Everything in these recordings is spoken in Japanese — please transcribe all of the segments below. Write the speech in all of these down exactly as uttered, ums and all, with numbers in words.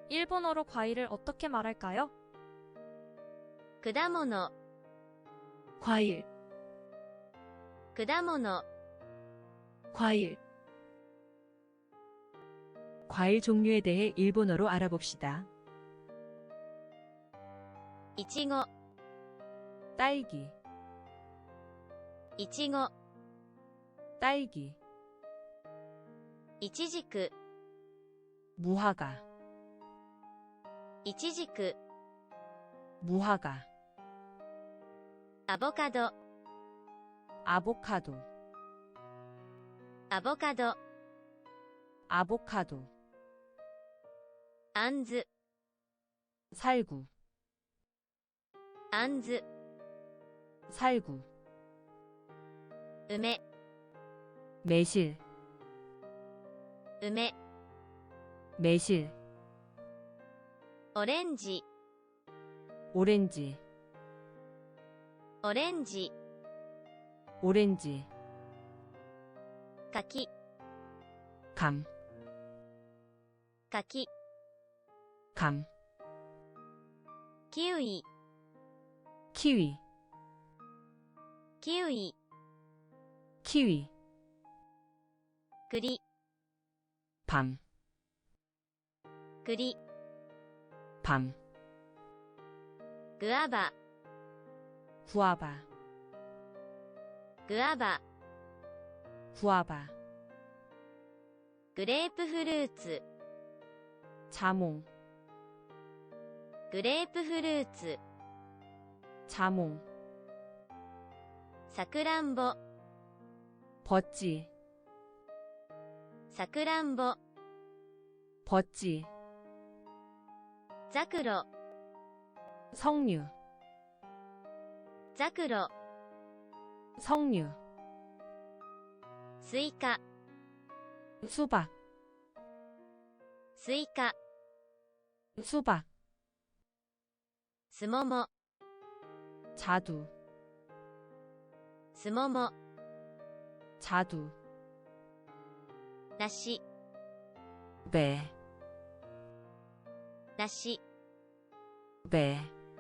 일본어로 과일을 어떻게 말할까요? 果物 과일, 果物 과일. 과일 종류에 대해 일본어로 알아봅시다. いちご 딸기, いちご 딸기, いちじく 무화과, いちじく 무화과, アボカド 아보카도, アボカド 아보카도, あんず 살구, あんず 살구, 梅 매실, 梅 매실, オレンジ 오렌지, オレンジ 오렌지, 柿 감, 柿 감, キウイ 키위, キウイ 키위, 栗 밤, 栗 밤, グアバ 구아바, グアバ 구아바, グレープフルーツ 자몽, グレープフルーツ 자몽, さくらんぼ 버찌, さくらんぼ 버찌, ザクロ 석류, ザクロ 석류, スイカ 수박, スイカ 수박, すもも 자두, すもも 자두, 梨 배, 梨 배,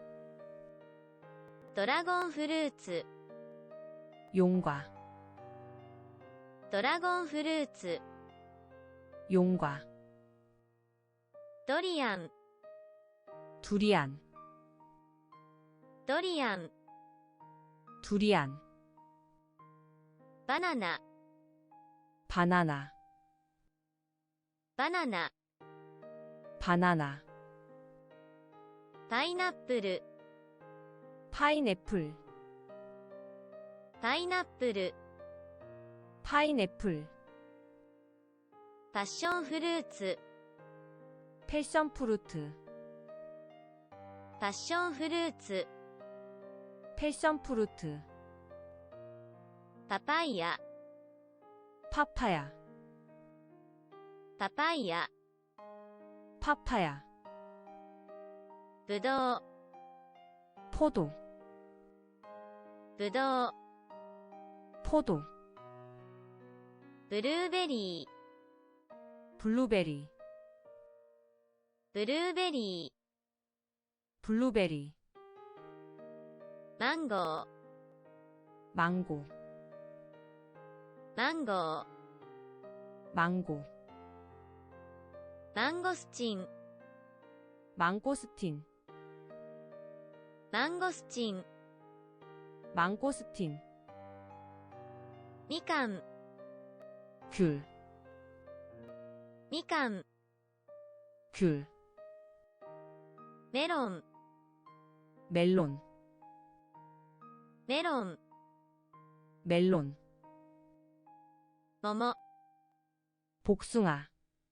ドラゴンフルーツ 용과, ドラゴンフルーツ 용과, ドリアン 두리안, ドリアン 두리안, バナナ 바나나, バナナ 바나나, パイナップル 파인애플, パイナップル 파인애플, パッションフルーツ 패션프루트, パッションフルーツ 패션프루트, パパイヤ 파파야, パパイヤ 파파야, ぶどう 포도, ぶどう 포도, ブルーベリー 블루베리, ブルーベリー 블루베리, マンゴー 망고, マンゴー 망고, マンゴスチン 망고스틴, マンゴスチン 망고스틴, みかん 귤, みかん 귤, メロン 멜론, メロン 멜론, 桃 복숭아,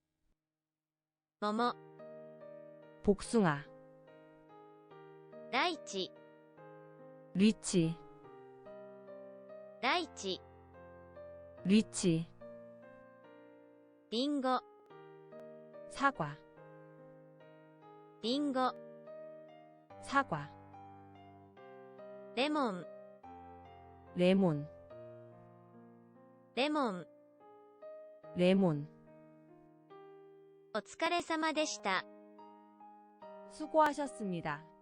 桃 복숭아, ライチ 리치, ライチ 리치, リンゴ 사과, リンゴ 사과, レモン 레몬, レモン 레몬. お疲れ様でした。 수고하셨습니다.